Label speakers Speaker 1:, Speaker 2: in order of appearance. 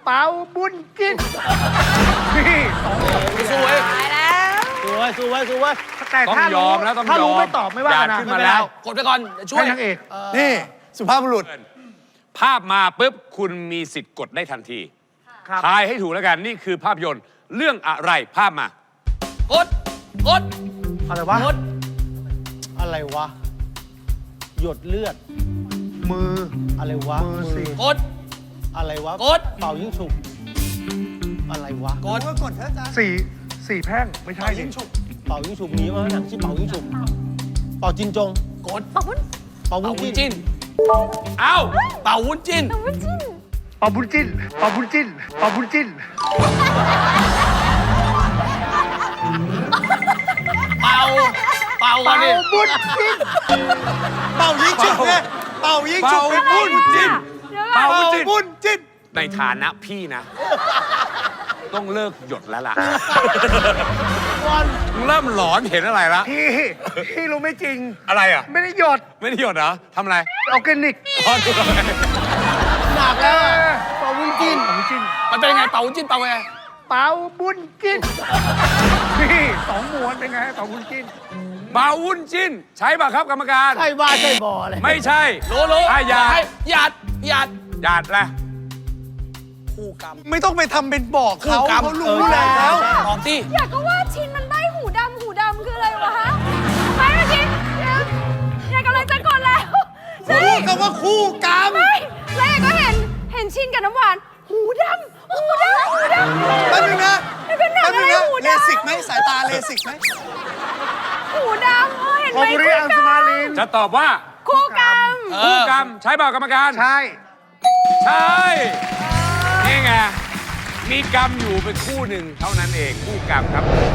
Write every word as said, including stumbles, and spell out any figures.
Speaker 1: เปาบุญจิ้นนี่สวย
Speaker 2: ตายแล้ว
Speaker 3: สวยสวยสวย
Speaker 1: แต่
Speaker 4: ต้อง
Speaker 1: ถ้าย
Speaker 4: อมแล้วต้องยอม
Speaker 1: ถ้ารู้ไม่ตอบไม่ว่ากันนะ
Speaker 4: ขึ้นมาแล้ว
Speaker 5: กดไปก่อนช่วย
Speaker 1: ให้นางเอก
Speaker 6: นี่สุภาพบุรุษ
Speaker 4: ภาพมาปุ๊บคุณมีสิทธิ์กดได้ทันที
Speaker 1: ครับ
Speaker 4: ทายให้ถูกแล้วกันนี่คือภาพยนตร์เรื่องอะไรภาพมา
Speaker 5: กดกด
Speaker 1: อะไรวะ
Speaker 5: กด
Speaker 3: อะไรวะ หยดเลือด
Speaker 1: มือ
Speaker 3: อะไรวะ
Speaker 1: มือสิ
Speaker 5: กด
Speaker 3: อะไรวะ
Speaker 5: กด
Speaker 3: เป่ายิงฉุบอะไรวะ
Speaker 5: กด
Speaker 6: กดเถอะจ้า
Speaker 1: สี่สี่แพร่งไม่ใช่ดิ
Speaker 3: เป่ายิงฉุบมีมั้ยหนังชื่อเป่ายิงฉุบเป่าจินจง
Speaker 5: กด
Speaker 2: ปะวุ้น
Speaker 3: เป่าวุ้
Speaker 5: เป่าน วุ้น
Speaker 3: จิ้น
Speaker 5: จิ้น
Speaker 4: เอ้า
Speaker 5: เป่าวุ้นจิ้น
Speaker 2: ปะวุ้นจิ้น
Speaker 1: เปาบุญจิ้นเปาบุญจิ้นเปาบุญจิ้น
Speaker 5: เป่าเป่ากั
Speaker 1: เปาน
Speaker 5: ดิ
Speaker 1: บุญจิ้น
Speaker 6: เป่ายิงฉุบเนี่ยเป่ายิงฉุบ
Speaker 4: เป่าบุญจิ้น
Speaker 2: เดี๋ยวก่
Speaker 4: เป่า
Speaker 2: อน
Speaker 4: บุญจิ้น
Speaker 6: บุญจิ้น
Speaker 4: ในฐานะพี่นะ ต้องเลิกหยดแล้วล่ะเริ่มหลอนเห็นอะไรละ
Speaker 1: พี่พี่รู้ไม่จริง
Speaker 4: อะไรอ่ะ
Speaker 1: ไม่ได้หยด
Speaker 4: ไม่ได้หยดเหรอทำอะไร
Speaker 1: ออร์แกนิก
Speaker 4: อ๋อดูอะไร
Speaker 3: หนักแล้วอะเป่าวุ้นจิ้น
Speaker 1: เปาบุญจิ้น
Speaker 5: มันเป็นยังไงเป่าวุ้นจิ้นเป่าไง
Speaker 1: เปาบุญจิ้นพี่สองม้วนเป็นไงเปาบุญจิ้น
Speaker 4: เบาวุ้นจิ้น ใช่ป่ะครับกรรมการ
Speaker 3: ใช่บ้าใช่บอเลย
Speaker 4: ไม่ใช่
Speaker 5: รู้รู้
Speaker 4: อ่ะหยาด
Speaker 5: ให้หยาดหยาด
Speaker 4: หยาดแหละ
Speaker 5: คู่กรรม
Speaker 6: ไม่ต้องไปทำเป็นบอกเขา
Speaker 5: คู่กรรม
Speaker 6: เขารู้แล้ว
Speaker 5: ตอบที่
Speaker 2: อยากก็ว่าชินมันใบหูดำหูดำคืออะไรวะฮะไม่เมื่อกี้เดี๋ยวอยากกำลังจะกดแล้วใช่
Speaker 6: พูดคำว่าคู่กรรม
Speaker 2: ไม่แล้วอยากก็เห็นเห็นชินกับน้ำหวาน หูดำหูดำหูดำ
Speaker 6: แป๊บนึงนะ
Speaker 2: มันเป็นหนัง
Speaker 6: แป๊บ
Speaker 2: อะ
Speaker 6: นึง
Speaker 2: ไร
Speaker 6: นะ
Speaker 2: หู
Speaker 6: เล
Speaker 2: ดำ
Speaker 6: สิกไหมสายตาเลสิกไหม
Speaker 2: หูดำเออเห็น
Speaker 1: โอ
Speaker 2: ไหม
Speaker 1: บุริอังสมาลิน
Speaker 4: จะตอบว่า
Speaker 2: คู่กรรม
Speaker 5: เอ
Speaker 4: คู่
Speaker 5: อก
Speaker 4: รรมใช่เปล่ากรรมการ
Speaker 1: ใช่
Speaker 4: ใช่ นี่ไง มีกรรมอยู่เป็นคู่หนึ่งเท่านั้นเอง คู่กรรมครับ